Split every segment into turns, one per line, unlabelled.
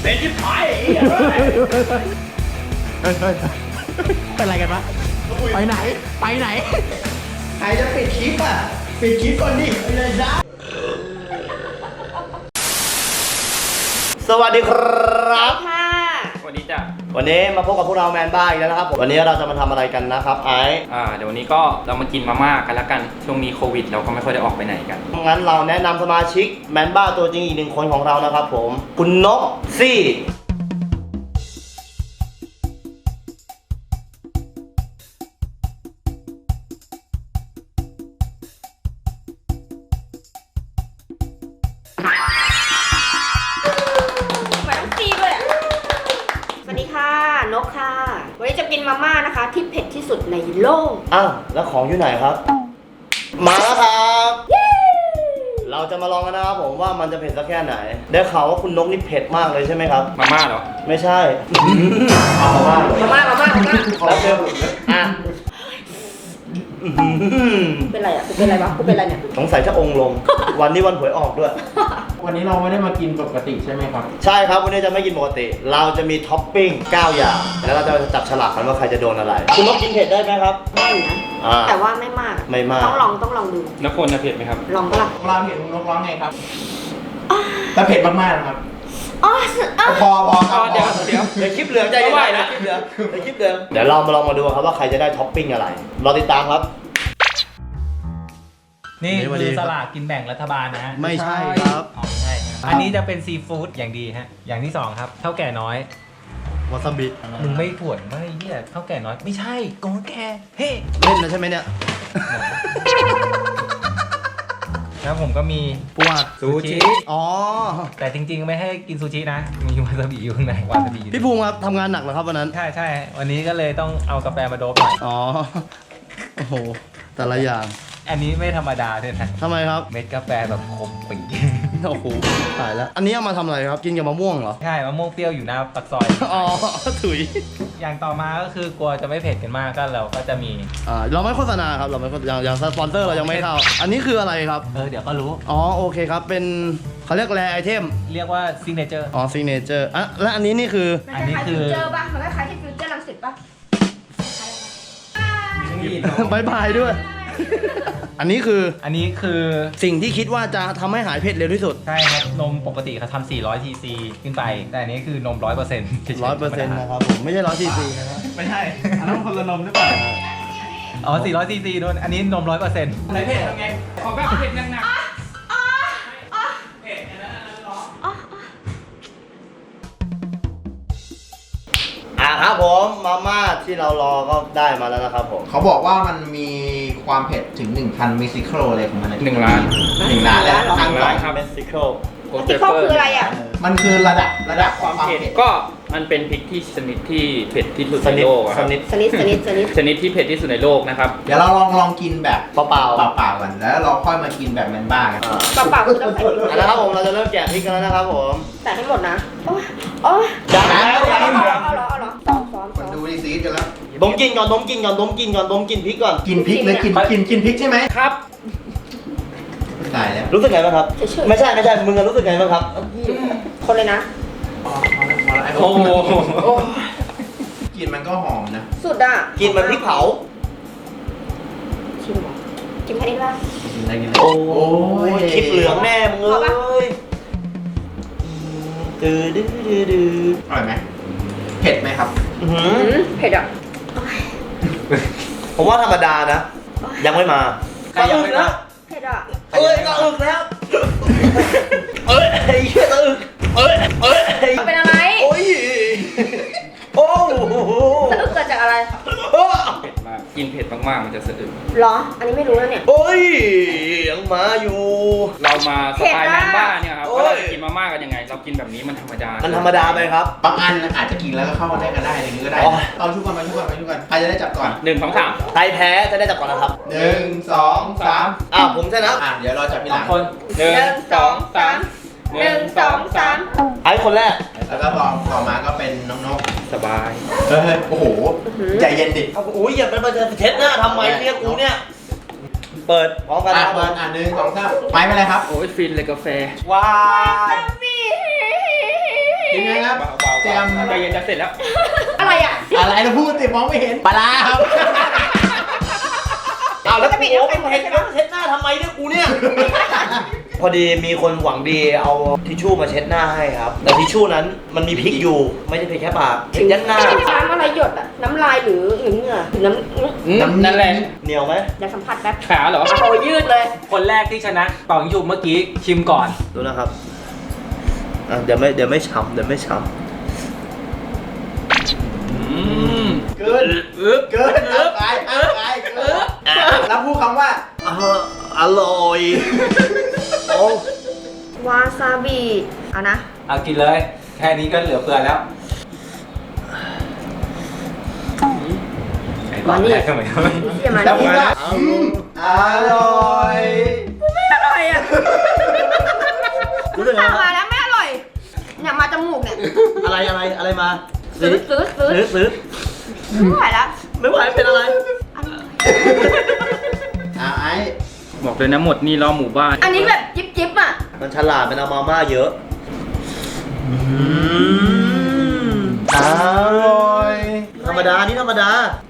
เป็นที่ผายเป็นอะไรกันวะไปไหนไปไหนใครจะปิดคลิปอ่ะปิดคลิปก่อนดิเลยนะสวัสดีครับ
ค่ะ
สวัสดีจ้ะ
วันนี้มาพบกับพวกเราแมนบ้าอีกแล้วนะครับผมวันนี้เราจะมาทำอะไรกันนะครับไอซ์
เดี๋ยววันนี้ก็เรามากินมาม่ากันแล้วกันช่วงนี้โควิดเราก็ไม่ค่อยได้ออกไปไหนกัน
งั้นเราแนะนำสมาชิกแมนบ้าตัวจริงอีกหนึ่งคนของเรานะครับผมคุณนกซี่
นกค่ะวันนี้จะกินมาม่านะคะที่เผ็ดที่สุดในโลก
อ้าวแล้วของอยู่ไหนครับ มาแล้วครับเราจะมาลองกันนะครับผมว่ามันจะเผ็ดสักแค่ไหนได้ข่าวว่าคุณนกนี่เผ็ดมากเลยใช่ไหมครับ
มาม่าเหรอ
ไม่ใช่มาม่าแล้วเจออ่ะ
เป็นไรอ่ะเป็นไรวะกูเป็นไรเนี่ย
สงสัยจะองค์ลงวันนี้วันหวยออกด้วย
วันนี้เราไม่ได้มากินปกติใช่ไหมครับ
ใช่ครับวันนี้จะไม่กินปกติเราจะมีท็อปปิ้ง9อย่างแล้วเราจะจับฉลากกันว่าใครจะโดนอะไรคุณนกกินเผ็ดได้ไหมครับ
ได้นะแต่ว่าไม่มากต้องลองดู
แล้วคนจะเผ็ดไหมครับ
ลองก็ล่ะ
เราเห็นนกร้องไงครับแต่เผ็ดมากๆนะครับพอ
เดี๋
ยวคลิปเหลืองใจเย็นนะคลิปเหลืองเดี๋ยวเรามาลองมาดูครับว่าใครจะได้ท็อปปิ้งอะไรรอติดตามครับ
นี่คือสลากกินแบ่งรัฐบาลนะฮะ
ไม่ใช่ครับ
ไม่ใช่อันนี้จะเป็นซีฟู้ดอย่างดีฮะอย่างที่2ครับเท่าแก่น้อยว
าซาบิ
มึงไม่ถ่วนไม่เหี้ยเท่าแก่น้อยไม่ใช่โกงแกเฮ้
เล่นนะใช่ไหมเนี่ย
แล้วผมก็มี
ปวด
ซูชิ
อ๋อ
แต่จริงๆไม่ให้กินซูชินะมีวาซาบิอยู่ข้างในวาซาบิ
พี่ภูมิครับทำงานหนักเหรอครับวันนั้น
ใช่วันนี้ก็เลยต้องเอากาแฟมาโดบหน่อย
อ๋อโอ้โหแต่ละอย่าง
อันนี้ไม่ธรรมดาเลยนะ
ทำไมครับ
เม็ดกาแฟแบบคมปี
โอ้โหตายแล้วอันนี้เอามาทำอะไรครับกินกับมะม่วงเหรอ
ใช่มะม่วงเปรี้ยวอยู่หน้าปากซอย
อ๋อถุย
อย่างต่อมาก็คือกลัวจะไม่เผ็ดกันมากก็เราก็จะมี
เราไม่โฆษณาครับเราไม่อย่างสปอนเซอร์เรายังไม่เข้าอันนี้คืออะไรครับ
เดี๋ยวก็รู้
อ๋อโอเคครับเป็นเขาเรียกแรไอเทม
เรียกว่าซิกเนเจอร์
อ๋อซิกเนเจอร์และอันนี้นี่คือ
อันนี้คือฟิวเจอร์ป่ะมันคล้ายๆที่ฟิวเจอร์รังสิตป่ะ
บายด้วยอันนี้คือสิ่งที่คิดว่าจะทำให้หายเผ็ดเร็วที่สุด
ใช่ครับนมปกติเขาทำ400 cc ขึ้นไปแต่อันนี้คือนม 100%
100%นะครับผมไม่ใช่100 cc นะครับ
ไม่ใช่อันนั้นคนละนมหรือเปล่า
อ๋อ400 cc โดนอันนี้นม 100%
อะไรเผ็ดทำไงขอแบบเผ็ดหนัก
ครับผมมาม่าที่เรารอก็ได้มาแล้วนะครับผม
เขาบอกว่ามันมีความเผ็ดถึง 1,000 มิลลิโครอะไรของมัน
1 ล้าน
แล้ว
ทั้งสองเม็กซิโก
คืออะไรอ่ะ
มันคือระดับความเผ็ด
ก็มันเป็นพริกที่ชนิดที่เผ็ดที่สุดในโลก
ชนิด
ที่เผ็ดที่สุดในโลกนะครับ
เดี๋ยวเราลองกินแบบ
เปล่า
ก่อนแล้วเราค่อยมากินแบบแมนบ้ากัน
เปล่าคือต้องใส่
นะครับผมเราจะเริ่มแกะพริกกันแล้วนะครับผม
ใส่ให้หมดนะโอ้ย
จัด
แล้วเอาเหรอซ้อม
ดูดีซีดกันแล้ว
ดมกินก่อนดมกินพริกก่อน
กินพริกเลยกินพริกใช่ไหม
ครับ
ตายแล้ว
รู้สึกไงบ้างครับไม่ใช่มึงรู้สึกไงบ้างครับ
คนเลยนะ
โอ้โห
กลิ่นมันก็หอมนะ
สุดอ่ะ
กินมันพริกเผา
กินแค่นี้ละ
โอ้ยคลิปเหลืองแน่มึงเลยดื้อ
อร่อยไหมเผ็ดไหมครับ
เผ็ดอ่ะ
ผมว่าธรรมดานะยังไม่มา
ก็อึกนะเผ็ดอ่ะ
ก็อึกแล้วไอ้เหี้ยอึก
เป็นอะไร
โอ้ยโอ้
สะอึกเกิดจากอะไร
เผ็ดมากกินเผ็ดมากๆมันจะสะอึก
หรออันนี้ไม่รู้แล้วเนี่ย
โอ้ยยังมาอยู่
เรามาสไตล์แมนบ้าเนี่ยครับว่าเราจะกินมาม่ากันยังไงเรากินแบบนี้มันธรรมดา
ไปครับ
บางอันอาจจะกินแล้วก็เข้ามาได้กันได้อย่างนี้ก็ได้เอาชุกกันใครจะได้จับก่อน
1 2 3
ใครแพ้จะได้จับก่อนนะครับ
1 2 3
ผมชนะ
เดี๋ยวเราจับทีหลัง
คน1 2 3 1 2 3
ไอ้คนแรก
แล้วก็ต่อมาก็เป็นน้องนก
สบาย
โอ้โหใจเย็นดิ
อุ้ยอย่าไปเช็ดหน้าทำไมเนี่ยกูเนี่ยเปิดพร้อมกัน
ครับเปิด1 2 3ไปเลยครับ
โอ้ยฟินเลยกาแฟ
ว้าย
กินไหมครับ
เบาๆ
เตรียม
ใจเย็นจะเสร็จแล้ว
อะไรอ่ะ
อะไรเราพูดติมองไม่เห็นปลาร้าครับ
เอาแล้วกูโอ้เป็นเห็ดแล้วเช็ดหน้าทำไมเนี่ยกูเนี่ย พอดีมีคนหวังดีเอาทิชชู่มาเช็ดหน้าให้ครับ แต่ทิชชู่นั้นมันมีพริกอยู่ ไม่ใช่เพียงแค่ปากเช็ดยันหน้า
น้ำอะไรหยดอ่ะ น้ำลายหรือเหงื่อหรือน้ำ
นั่นแหละ
เหนียวไหม
อยากสัมผัสแป๊บ
ขาเหรอ
โอ้ยืดเลย
คนแรกที่ชนะเป่ายิงฉุบเมื่อกี้ชิมก่อน
ดูนะครับเดี๋ยวไม่ช้ำ
เกินเกินไปเกินแล้วพูดคำว่า
อร่อยโอ้
วาซาบิเอานะ
เอากินเลย แค่นี้ก็เหลือเฟือแล้วไอ้ตอนแรกทำไมไม่
เยี่ยมมา
แล้วพูด
ดิ
ว่าอร่อย
อร่อยอ่ะ
รู้สึกไง
มาแล้วไม่อร่อย เนี่ยมาจมูกเนี่ย
อะไรมา
ซื้อ ไม่ไหวแล้ว
ไม่ไหวเป็นอะไร
ไอ้
บอกเลยนะหมดนี่รอหมู่บ้าน
อันนี้แบบจิ๊บอ่ะ
มันฉลาดเป็นเอามาม่าเยอะอร่อยธรรมดานี่ธรรมดา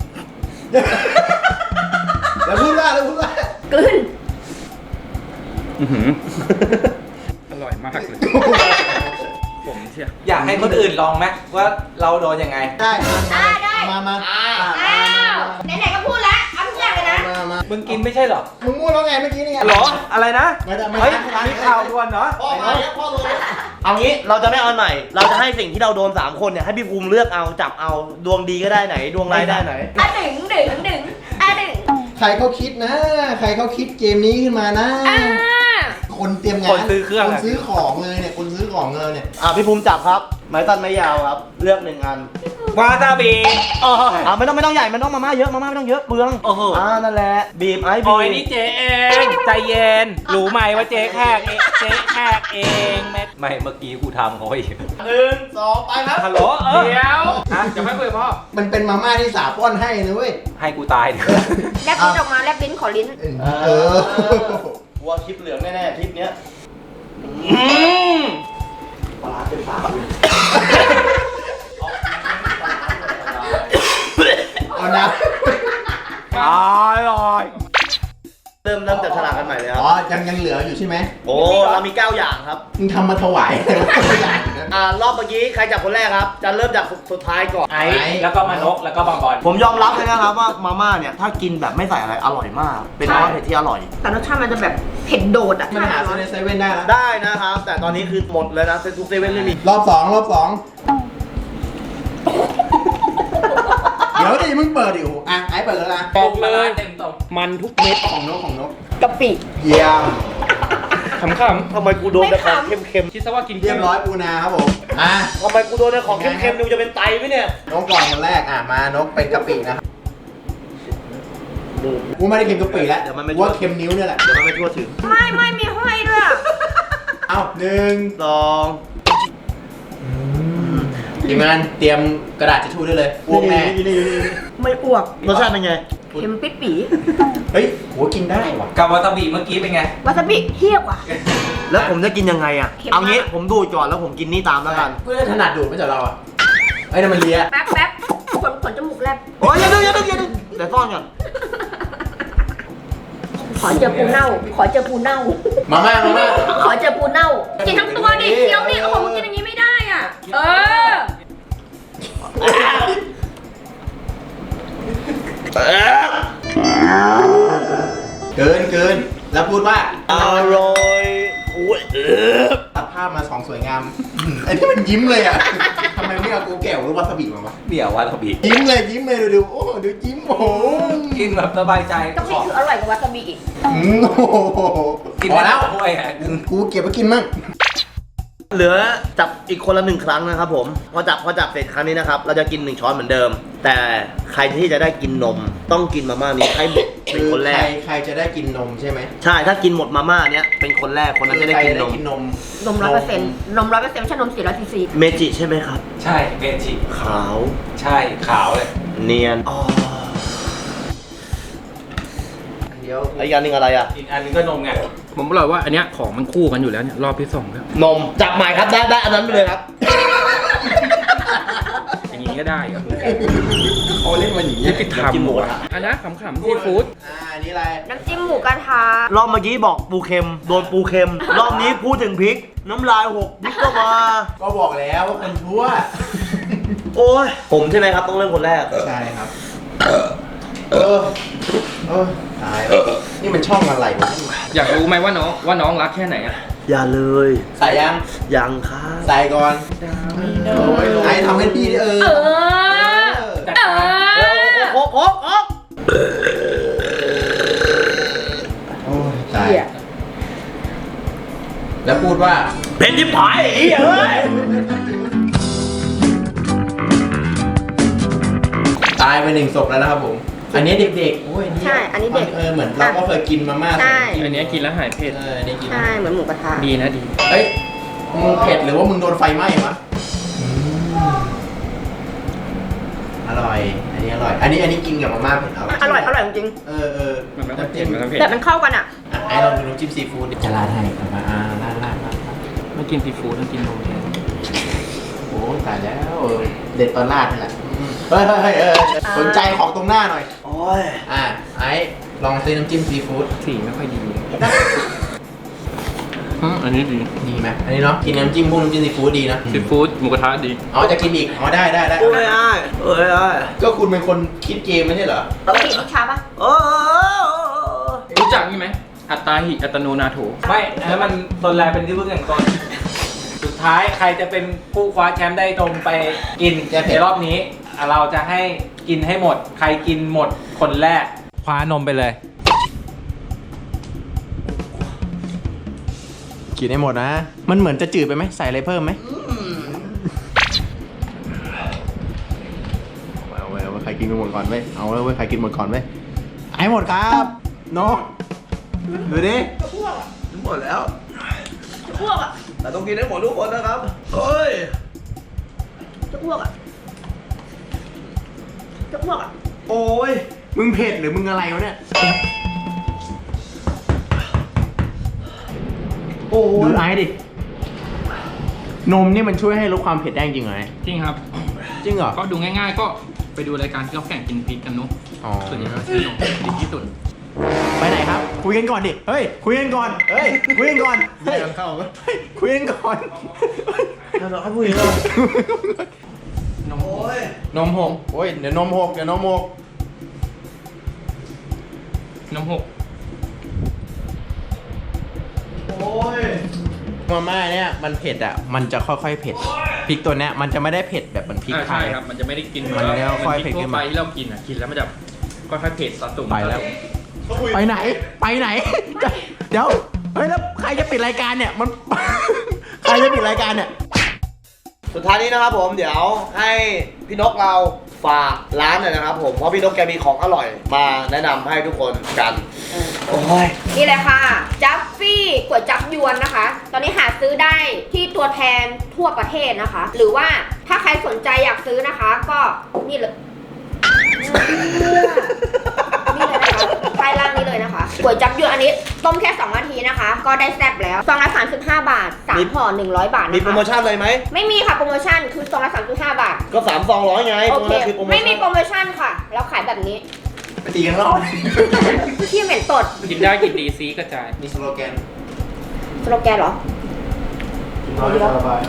แล้วพูดว่า
กลืน
อื้อหืออร่อยมากเลยผมเชีย
อยากให้คนอื่นลองไหมว่าเราโดนยังไง
ได้
ได้
มา
อ้าวไหนๆก็พูดแล้วเอาทุกอย่างเลยนะ
มา
มึงกินไม่ใช่เหรอ
มึงพูดแล้วไงเมื่อกี้นี่ไง
หรอ อะไรนะ
ไม่ได้
เฮ้ยมีข่าวด่วนเหรอ
พ่อมาแล้วพ่อโดนเอางี้เราจะไม่เอาอันใหม่ เราจะให้สิ่งที่เราโดน3คนเนี่ยให้พี่ภูมิเลือกเอาจับเอาดวงดีก็ได้ไหน ดวงร้ายได้ไหน
อ่ะดึงอ่ะดึง
ใครเขาคิดนะ ใครเขาคิดเกมนี้ขึ้นมานะ
อ่า
คนเตรียมงาน
คนซื้อเครื่อง
คนซื้อของเลยเนี่ย คนซื้อของเลยเนี่ย
พี่ภูมิจับครับ ไม้ตันไม้ยาวครับ เลือก1อัน
วาซาบิ
ไม่ต้องใหญ่มันต้องมาม่าเยอะไม่ต้องเยอะเปลือง
โอ้โห
นั่นแหละบีบไอ้
โอ้
บี
ย
บ
นี่เจ๊เอง ใจเย็น รู้ไหมว่าเจ๊แขกเองเจ๊แขกเองไม่เมื่อกี้กูทำเขาอีก
1 2 ไปครับ
ฮัลโหล
เดี๋ยวจะไม่คุยกับพ่อ
มันเป็นมาม่าที่สาป้อนให้นะเว้ย
ให้กูตายเถอะ
แลบลิ้นออกมาแลบลิ้นขอลิ้น
เออ
วัวคลิปเหลืองแน่ๆคลิปเนี้ยปลาเป็นปลา
เอานะ
อร่อย
เริ่มจับฉลากกันใหม่เลยค
อ๋
รั
อบ ยังเหลืออยู่ใช่ไหม
โอ้เรามี9อย่างครับ
มึงทำมาถวายแต่ว่าไม่ได้นะ
รอบเมื่อกี้ใครจับคนแรกครับ จะเริ่มจากสุดท้ายก่อน
ไอ้แล้วก็มานกแล้วก็บางบอล
ผมยอมรับเลยนะครับว่ามาม่าเนี่ยถ้ากินแบบไม่ใส่อะไรอร่อยมาก เป็นมาม่าเผ็ดที่อร่อย
แต่รสชาติมันจะแบบเผ็ดโดดอ่ะ
มันหาซื้อในเซเว่นได้แล้ว
ได้นะครับ แต่ตอนนี้คือหมดเลยนะเซทุกเซเว่นไม่มี
รอบ 2 เดี๋ยวดิมึงเปิดดิโอ้โหอ่ะไอ้เปิดแล้วนะ
บอกเลย
เต็มตรง
มันทุกเม็ด
ของนก
กะปิ
เยี่ยม
ขำ
ทำไมกูโดนแต่ของเค็ม
ๆคิดซะว่ากิน
เรียบร้อยปูนาครับผมอ่ะ
ๆทำไมกูโดนแต่ของเค็มๆดูจะเป็นไตไหมเนี่ย
นกก่อนคนแรกอ่ะมานกเป็นกะปินะครับกูไม่ได้เค็มกะปิแล้ว
เดี๋ยวมันไม่
กูว่าเค็มนิ้วเนี่ยแหละ
เดี๋ยวมันไม่ทั่วถึง
ไม่มีห้อยด้วยอะ
เอา1
2
ทีมงานเตรียมกระดาษทิชชู่ได้เลยอ้วกแน่
ไม่อ้วก
รสชาติเป็นไง
เค็มปิดปี
เฮ้ยโหกินได้ว่ะ
กับวาซาบิเมื่อกี้เป็นไง
วาซาบิเทียบว่ะ
แล้วผมจะกินยังไงอ่ะ
เค็มมาก
เอางี้ผมดูดก่อนแล้วผมกินนี่ตามแล้วกัน
เพื่อถนัดดูดไม่ใช่เราอ่ะไอ้นั่นมันเลีย
แป๊บขนจมูกแลบ
โอ้ยอย่าดึงเดี๋ยวซ่อนก่อน
ขอเจอปูเน่า
มาม่า
ขอเจอปูเน่า กินทั้งตัวดิเคี้ยวดิโอ้โหมึงกินอย่างนี้ไม่ได้อ่ะ เออ
เกินแล้วพูดว่า
อร่อยอุ้ย
ตัดภาพมา2สวยงามไอ้ที่มันยิ้มเลยอ่ะทำไมไม่เอาโกแก้วหรือวาซาบิมาวะ
เดี๋ยววาซาบิ
ยิ้มเลยดูโอ้ดูยิ้มโอ้โห
กินแบบสบายใจ
กะปิคืออร่อยกว่าวาซาบิอีก
โอ้โห
กิน
พอแล้ว
ถ้วยอ่ะ
กูเก็บไปกินมั่ง
เหลือจับอีกคนละ1 ครั้งนะครับผมพอจับเสร็จครั้งนี้นะครับเราจะกิน1 ช้อนเหมือนเดิม แต่ใครที่จะได้กินนมต้องกินมาม่านี้ให้หมดเป็นคนแรก
ใครจะได้กินนมใช่ไหม
ใช่ถ้ากินหมดมาม่าเนี้ยเป็นคนแรกคนนั้นจะได้กินนม
นม
นม100%ไม่ใช่นม400ซีซี
เมจิใช่ไหมครับ
ใช่เมจิ
ขาว
ใช่ขาวเลย
เนียนอ๋อ
เดี๋ยว
แล้วอีกอันหนึงอะไรอ่ะ
อีกอันนึงก็นมไง
ผมบอกเลยว่าอันเนี้ยของมันคู่กันอยู่แล้วเนี่ยรอบที่2แล้ว
นมจับใหม่ครับได้อันนั้นไปเลยครับ
ก็ได้เหรอ
เขาเล่นมันอย่างนี้
ที่ไปทำหมดอันนั้นขำๆซีฟู้ด
อันนี้อะไร
น้ำจิ้มหมูกระทะ
รอบเมื่อกี้บอกปูเค็มโดนปูเค็ม รอบนี้พูดถึงพริก น้ำลายหกพริกก็มา
ก็บอกแล้วว่าคนชั่ว
โอ้ยผมใช่ไหมครับต้องเริ่มคนแรก
ใช่ครับเออตายแล้วนี่มันช่องอะไรวะ
อยากรู้ไหมว่าน้องรักแค่ไหนอะ
อย่าเลย
ใส่ยัง
ยังครับ
ใส่ก่อนโอ้ยไอ้ทำให้พี่ดิ
เออ
จัด
เอ
ไป
อ
โอ้โห
โอ้ยตายแล้วพูดว่า
เป็นที่ผายไอ้เหี้ยเอ้ย
ตายไป1 ศพแล้วนะครับผม อันนี้เด็กๆโอ้ย
ใช่อันนี้เด็ก
เหมือนเราก็เคยกินมาม่า
ใช่
อันนี้กินแล้วหายเผ็ด
อันนี้กิน
ใช่เหมือนหมูกระทะ
ดีนะดี
เฮ้ยมึงเผ็ดหรือว่ามึงโดนไฟไหม้วะอร่อย อันนี้อร่อย อันนี้กินกับมาม่าเผ็ดเอา
อร่อยจริง
เออ
มันไม่ต้องเผ็ดมันต้องเผ็ด
แต่มันเข้ากันอ่ะ
ไอ้ลองดูน้ำจิ้มซีฟู้ดจะราดให้เอามาราด
ไม่กินซีฟู้ดต้องกินนมแทน
โอ้ตายแล้วเด็ดตอนราดนี่แหละเฮ้ยสนใจของตรงหน้าหน่อย
โอ้ย
ไอ้ลองซื้อน้ำจิ้มซีฟู้ด
สีไม่ค่อยดีอันนี้ดี
ดีไหมอันนี้เนาะกินน้ำจิ้มซีฟู้ดดีนะ
ซีฟู้ดหมูกระทะดี
อ๋อจะกินอีกอ๋อได้
โอ้ยอ้ายโอ้ยอ้าย
ก็คุณเป็นคนคิดเกมไม่ใช่เหรอ
ปกติลูกค้าปะ
โอ้ย
รู้จักนี่ไหมอัตตาหิอัตโนนาโถ
ไม่อันนั้นมันตนแรกเป็นที่พึ่งแห่งตน สุดท้ายใครจะเป็นผู้คว้าแชมป์ได้ตรงไปกินในรอบนี้ เราจะให้กินให้หมด ใครกินหมดคนแรกคว้านมไปเลย
กินให้หมดนะ มันเหมือนจะจืดไปไหมใส่อะไรเพิ่มไหมเอาไว้ใครกินหมดก่อนเว้ยเอาไว้ใครกินหมดก่อนเว้ยให้หมดครับน้องดูดิ
หมดแล้ว
จะอ้วกอ่ะ
แต่ต้องกินให้หมดทุกคนนะครับเฮ้ย
จะอ้วกอ่ะจะอ้วกอ่ะ
โอ้ย
มึงเผ็ดหรือมึงอะไรวะเนี่ย
โอ้
ดู
ย
ไอ้ดินมนี่มันช่วยให้ลดความเผ็ดได้จริงเหรอเนี่ย
จริงครับ
จริงเหรอ
ก็ดูง่ายๆ ก็ไปดูรายการที่เขาแข่งกินพริกกันเนุ๊ก
อ๋อ
ส่วนใหญ่เขาซื้อนมดีที่สุด
ไปไหนครับ คุยกันก่อนดิ เฮ้ย คุยกันก่อน เฮ้ย คุยกันก่อน เฮ้ยคุยกันก่อน
เราให้ผู้หญิงเลย
นม
โอ้ย
นมหกโอ้ย เดี๋ยวนมหก
นมหก
โอ้ย
มาม่าเนี่ยมันเผ็ดอ่ะ มันจะค่อยๆเผ็ด พริกตัวเนี้ยมันจะไม่ได้เผ็ดแบบมันพริกไท
ใช่
ย
ครับ มันจะไม่ได้กิน
มันจะค่อยๆ
พริก
เผ็ดขึ้
ทั่วน ไป
มา
ที่เรากินอ่ะ กินแล้วมันจะค่อยๆเผ็ดสะสม
ไปแล้ว ไปไหน ไปไหน เดี๋ยว เฮ้ย แล้วใครจะปิดรายการเนี่ย มัน ใครจะปิดรายการเนี่ย
สุดท้ายนี้นะครับผมเดี๋ยวให้พี่นกเราฝากร้านหน่อยนะครับผมเพราะพี่นกแกมีของอร่อยมาแนะนำให้ทุกคนกันโอ้ย
นี่เลยค่ะ จัฟฟี่ก๋วยจับยวนนะคะ ตอนนี้หาซื้อได้ที่ตัวแทนทั่วประเทศนะคะ หรือว่าถ้าใครสนใจอยากซื้อนะคะ ก็นี่เลยนี่เลยนะคะป้ายล่างนี้เลยนะคะก๋วยจับยวนอันนี้ต้มแค่2 นาทีนะคะ ก็ได้แซ่บแล้วซองละ35 บาท3ห่อ100 บาทนะคะ
มีโปรโมชั่นอะไรไหม
ไม่มีค่ะโปรโมชั่นคือซองละ35 บาท
ก็300ไง
โอ
ตัว
เค
นั้นคือโปรโมชั่น
ไม่มีโปรโมชั่นค่ะเราขายแบบนี้
ไปตีกันรอบ
ที่เหม็นตด
กินได้กินดีซีกระจาย
มีสโลแกน
สโลแกนเหรอ
น้อยสบาย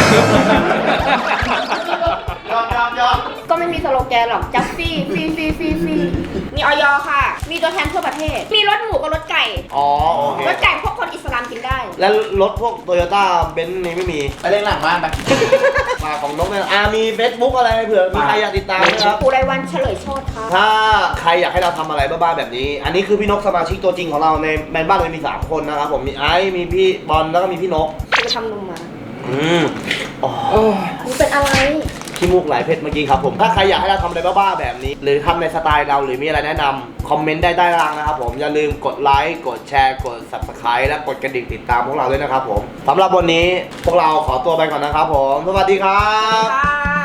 ยอม
ก็ไม่มีสโลแกนหรอกจัฟฟี่ฟรีมีออยค่ะ มีตัวแทนทั่วประเทศ มีรสหมูกับรสไก่
อ๋อโอเค
รสไก่พวกคนอิสลามกินได้
แล้วรถพวกโตโยต้าเบนซ์นี่ไม่มี
ไปเล่นหลังบ้านไป
มาของนกเนี่ยมีเฟซบุ๊กอะไรเผื่อมีใครอยากติดตามนะครับ
ปูไรายวันเฉลยโชติค่ะ
ถ้าใครอยากให้เราทำอะไรบ้าๆแบบนี้ อันนี้คือพี่นกสมาชิกตัวจริงของเราในแมนบ้านเรามี3คนนะครับผมมีไอซ์มีพี่บอลแล้วก็มีพี่นก
จะไปทำนมมา
อ๋อ
มันเป็นอะไร
ขี้มูกไหลเพชรเมื่อกี้ครับผมถ้าใครอยากให้เราทำอะไรบ้าๆแบบนี้ หรือทำในสไตล์เราหรือมีอะไรแนะนำคอมเมนต์ได้ใต้ล่างนะครับผมอย่าลืมกดไลค์กดแชร์กด Subscribe และกดกระดิ่งติดตามพวกเราด้วยนะครับผมสำหรับวันนี้พวกเราขอตัวไปก่อนนะครับผมสวัสดีครับ
ค่ะ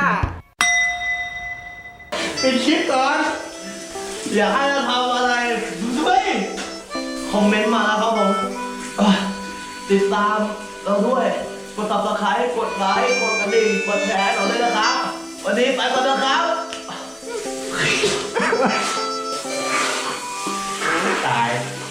ปิดคลิปก่อนอยากให้เราทำอะไรด้วยคอมเมนต์มาแล้วครับผมติดตามเราด้วยกด Subscribe กดไลค์กดกระดิ่งกดแชร์เราด้วยนะครับวันวันนี้ไปก่อนนะครับ
ตาย